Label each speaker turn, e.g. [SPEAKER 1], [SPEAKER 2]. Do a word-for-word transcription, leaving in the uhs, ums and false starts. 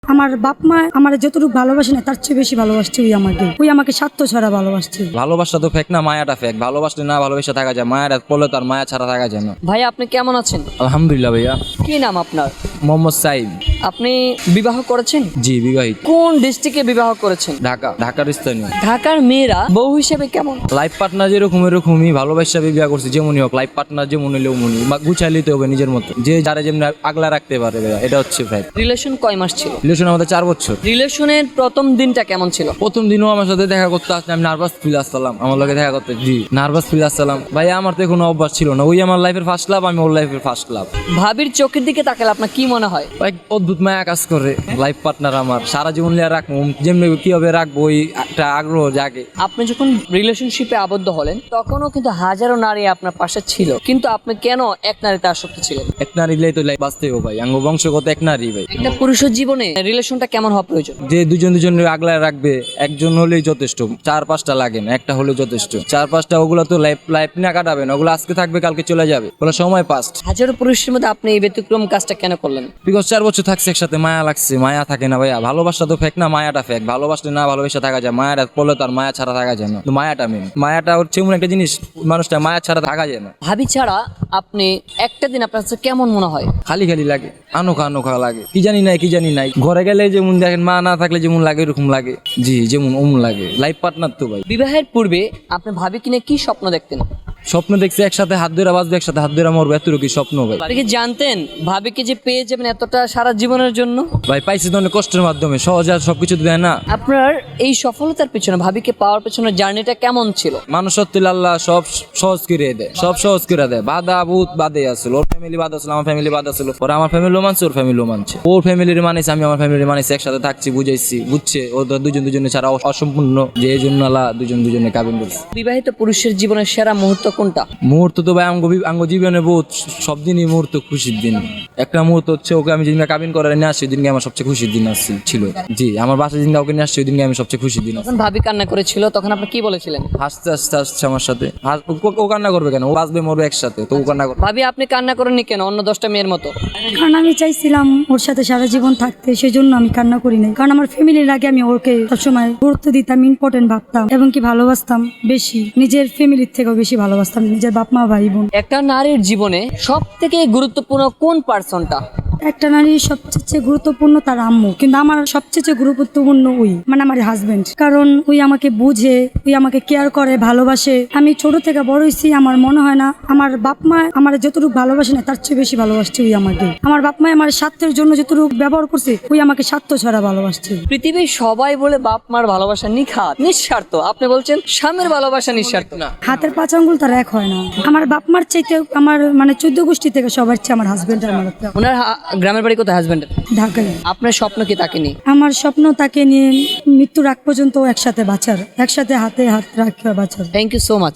[SPEAKER 1] আমার বাপ মা আমার যতটুকু ভালোবাসে না তার চেয়ে বেশি ভালোবাসছে ওই আমাকে ওই আমাকে স্বার্থ ছাড়া ভালোবাসছে।
[SPEAKER 2] ভালোবাসা তো ফেক না, মায়াটা ফেক। ভালোবাসলে না ভালোবাসা থাকা যায়, মায়াটা পড়লে তার মায়া ছাড়া থাকা যায় না।
[SPEAKER 3] ভাই আপনি কেমন আছেন?
[SPEAKER 2] আলহামদুলিল্লাহ ভাইয়া।
[SPEAKER 3] কি নাম আপনার?
[SPEAKER 2] মোহাম্মদ সাইম।
[SPEAKER 3] আপনি বিবাহ করেছেন?
[SPEAKER 2] জি বিবাহিত।
[SPEAKER 3] কোন ডিস্ট্রিক্টে বিবাহ করেছেন?
[SPEAKER 2] ঢাকা, ঢাকার স্থানীয়।
[SPEAKER 3] ঢাকার মেয়েরা বউ হিসেবে কেমন?
[SPEAKER 2] লাইফ পার্টনার যেরকম এরকমই, ভালোবাসা বিবাহ করছি যেমনই হোক, লাইফ পার্টনার যেমন হলেও মনি গুছাই নিতে হবে নিজের মতো, যে যারা যেমন আগলা রাখতে পারে ভাইয়া, এটা হচ্ছে ফ্যাক্ট।
[SPEAKER 3] রিলেশন কয় মাস ছিল?
[SPEAKER 2] রিলেশন আমাদের চার বছর।
[SPEAKER 3] রিলেশনের প্রথম দিনটা কেমন ছিল?
[SPEAKER 2] প্রথম দিনও আমার সাথে দেখা করতে আসলে আমি নার্ভাস ফিল আসলাম, আমার লগে দেখা করতে। জি নার্ভাস ফিল আসলাম ভাই, আমার তো কোনো অভ্যাস ছিল না। ওই আমার লাইফের ফার্স্ট লাভ, আমি ওর লাইফের ফার্স্ট লাভ।
[SPEAKER 3] ভাবির চোখের দিকে তাকালে আপনার কি মনে হয়?
[SPEAKER 2] এক অদ্ভুত মায়া কাজ করে। লাইফ পার্টনার আমার সারা জীবন লিয়া রাখবো, যেমনি কিভাবে রাখবো ওই একটা আগ্রহ জাগে।
[SPEAKER 3] আপনি যখন রিলেশনশিপে আবদ্ধ হলেন তখনও কিন্তু হাজারো নারী আপনার পাশে ছিল, কিন্তু আপনি কেন এক নারীতে আসক্ত ছিলেন?
[SPEAKER 2] এক নারী দিলেই তো লাইফ বাঁচতে হবে ভাই, আঙ্গ বংশগত এক নারী ভাই।
[SPEAKER 3] একটা পুরুষের জীবনে রিলেশনটা কেমন হওয়া প্রয়োজন?
[SPEAKER 2] যে দুজন দুজন আগলায় রাখবে, একজন হলেই যথেষ্ট, চার পাঁচটা লাগে না, একটা হলেও যথেষ্ট। চার পাঁচটা ওগুলো তো লাইফ লাইফ না কাটাবে না, ওগুলো আজকে থাকবে কালকে চলে যাবে, ওগুলো সময় পাস্ট।
[SPEAKER 3] হাজারো পুরুষের মধ্যে আপনি এই ব্যতিক্রম কাজটা কেন করলেন?
[SPEAKER 2] বিকজ চার বছর থাকছে একসাথে, মায়া লাগছে। মায়া থাকে না ভাইয়া, ভালোবাসা তো ফেক না, মায়াটা ফেক। ভালোবাসলে না ভালোবাসা থাকা যায়, মায়াটা পড়লে তার মায়া ছাড়া থাকা যায় না। তো মায়াটা মেন, মায়াটা হচ্ছে এমন একটা জিনিস, মানুষটা মায়া ছাড়া থাকা যায় না।
[SPEAKER 3] ভাবি ছাড়া আপনি একটা দিন আপনার কাছে কেমন মনে হয়?
[SPEAKER 2] খালি খালি লাগে, আনোখা আনোখা লাগে, কি জানি নাই কি জানি নাই। ঘরে গেলে যেমন দেখেন, মা না থাকলে যেমন লাগে এরকম লাগে। জি যেমন ওমন লাগে, লাইফ পার্টনার তো ভাই।
[SPEAKER 3] বিবাহের পূর্বে আপনি ভাবি কিনে কি স্বপ্ন দেখতেন?
[SPEAKER 2] স্বপ্ন দেখছি একসাথে হাত ধরে বাঁচবে, একসাথে হাত ধরে মরবো, এতটুকু স্বপ্ন ভাই।
[SPEAKER 3] আপনি কি জানতেন ভাবিকে যে পেয়ে যাবেন এতটা সারা জীবনের জন্য?
[SPEAKER 2] ভাই পাইছি তো অনেক কষ্টের মাধ্যমে, সহজে আর সবকিছু দেয় না।
[SPEAKER 3] আপনার এই সফলতার পেছনে, ভাবিকে পাওয়ার পেছনে জার্নিটা কেমন ছিল?
[SPEAKER 2] মানুষ সত্যি আল্লাহ সব সহজ করে দেয়, সব সহজ করে দেয়। বাধা বহুত বাদে আসলো, ওর ফ্যামিলি বাদ আসলো, আমার ফ্যামিলি বাদ আসলো, ওরা আমার ফ্যামিলিও মানছে, ওর ফ্যামিলিও মানছে। ওর ফ্যামিলির মানিস, আমি আমার ফ্যামিলির মানিস, একসাথে থাকছি, বুঝাইছি, বুঝছে। ওদের দুজন দুজনে ছাড়া অসম্পূর্ণ, যে এই জন্য আল্লাহ দুজন দুজনে কাবিন করছে।
[SPEAKER 3] বিবাহিত পুরুষের জীবনের সেরা মুহূর্ত কোনটা?
[SPEAKER 2] মুহূর্ত তো ভাই আঙ্গ আঙ্গ জীবনে বহুত সব দিনই মুহূর্ত খুশির দিন। একটা মুহূর্ত হচ্ছে ওকে আমি যেদিনকে কাবিন করার নিয়ে আসছি, ওই দিনকে আমার সবচেয়ে খুশির দিন আসছিল ছিল। জি আমার বাসায় যেদিনকে ওকে নিয়ে আসছি, ওই দিনকে আমি সবচেয়ে খুশির দিন।
[SPEAKER 3] যখন ভাবি কান্না করেছিল তখন আপনি কি বলেছিলেন?
[SPEAKER 2] হাসতে হাসতে আসছে আমার সাথে। হাস- ও- ও কান্না করবে কেন? ও বাঁচবে মরবে একসাথে, তো ও কান্না করবে।
[SPEAKER 3] ভাবি আপনি কান্না করেননি কেন অন্য দশটা মেয়ের মতো?
[SPEAKER 1] কারণ আমি চাইছিলাম ওর সাথে সারা জীবন থাকতে, সেজন্য আমি কান্না করি নাই। কারণ আমার ফ্যামিলির আগে আমি ওকে সবসময় গুরুত্ব দিতাম, ইম্পর্টেন্ট ভাবতাম এবং কি ভালোবাসতাম বেশি, নিজের ফ্যামিলির থেকেও বেশি ভালোবাসতাম নিজের বাপ মা ভাই বোন।
[SPEAKER 3] একটা নারীর জীবনে সব থেকে গুরুত্বপূর্ণ কোন পার্সনটা?
[SPEAKER 1] একটা নারীর সবচেয়ে গুরুত্বপূর্ণ তার আম্মু, কিন্তু আমার সবচেয়ে গুরুত্বপূর্ণ ওই মানে আমার হাজবেন্ড। কারণ ওই আমাকে বুঝে, ওই আমাকে কেয়ার করে, ভালোবাসে। আমি ছোট থেকে বড় হয়েছি, আমার মনে হয় না আমার বাপ মা আমার যতটুকু ভালোবাসে না তার চেয়ে বেশি ভালোবাসছে ওই আমাকে। আমার বাপ মা আমার স্বার্থের জন্য যতটুকু ব্যবহার করছে, ওই আমাকে স্বার্থ ছাড়া ভালোবাসছে।
[SPEAKER 3] পৃথিবীর সবাই বলে বাপ মার ভালোবাসা নিখাত, নিঃস্বার্থ। আপনি বলছেন স্বামীর ভালোবাসা নিঃস্বার্থ না?
[SPEAKER 1] হাতের পাঁচ আঙ্গুল তার এক হয় না। আমার বাপ মার চাইতে আমার মানে চোদ্দ গোষ্ঠী থেকে সবার চেয়ে আমার হাজবেন্ড আমার একটা।
[SPEAKER 3] ওনার হা- গ্রামের বাড়ি কোথায় হাজবেন্ডের?
[SPEAKER 1] ঢাকায়।
[SPEAKER 3] আপনার স্বপ্ন কি তাকে নিয়ে?
[SPEAKER 1] আমার স্বপ্ন তাকে নিয়ে মৃত্যুর আগ পর্যন্ত একসাথে বাঁচার, একসাথে হাতে হাত রাখা বাঁচার।
[SPEAKER 3] Thank you so much.